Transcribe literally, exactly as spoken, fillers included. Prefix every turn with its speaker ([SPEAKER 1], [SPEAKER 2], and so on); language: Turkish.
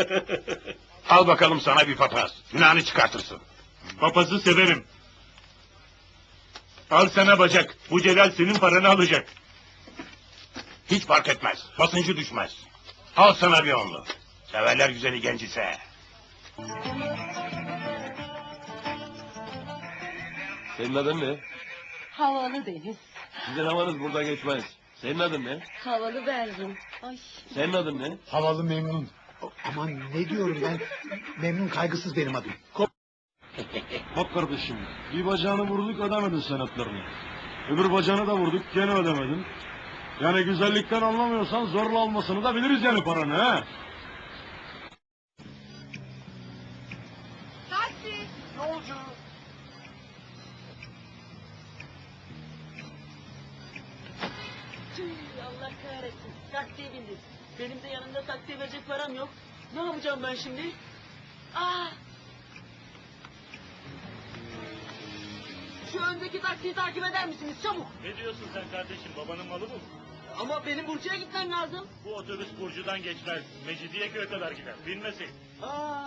[SPEAKER 1] Al bakalım sana bir papaz. Günahını çıkartırsın.
[SPEAKER 2] Papazı severim. Al sana bacak. Bu Celal senin paranı alacak.
[SPEAKER 1] Hiç fark etmez. Basıncı düşmez. Al sana bir onlu. Severler güzeli genç ise.
[SPEAKER 3] Senin adın ne?
[SPEAKER 4] Havalı Deniz.
[SPEAKER 3] Sizin havanız burada geçmez. Senin adın ne?
[SPEAKER 4] Havalı Berrin. Ay.
[SPEAKER 3] Senin adın ne?
[SPEAKER 5] Havalı Memnun. Aman ne diyorum ben? Memnun kaygısız benim adım.
[SPEAKER 6] Bak kardeşim, bir bacağını vurduk ödemedin senetlerini. Öbür bacağını da vurduk gene ödemedin. Yani güzellikten anlamıyorsan zorla almasını da biliriz yani paranı he.
[SPEAKER 4] Taksi.
[SPEAKER 1] Yolcu.
[SPEAKER 7] Tüh, Allah kahretsin. Taksiye bindim. Benim de yanımda taksiye verecek param yok. Ne yapacağım ben şimdi? Aa! Şu öndeki taksiyi takip eder misiniz? Çabuk.
[SPEAKER 2] Ne diyorsun sen kardeşim? Babanın malı bu.
[SPEAKER 7] Ama benim Burcu'ya gitmem lazım.
[SPEAKER 2] Bu otobüs Burcu'dan geçmez. Mecidiyeköy'e kadar gider. Binmesin.
[SPEAKER 7] Aa!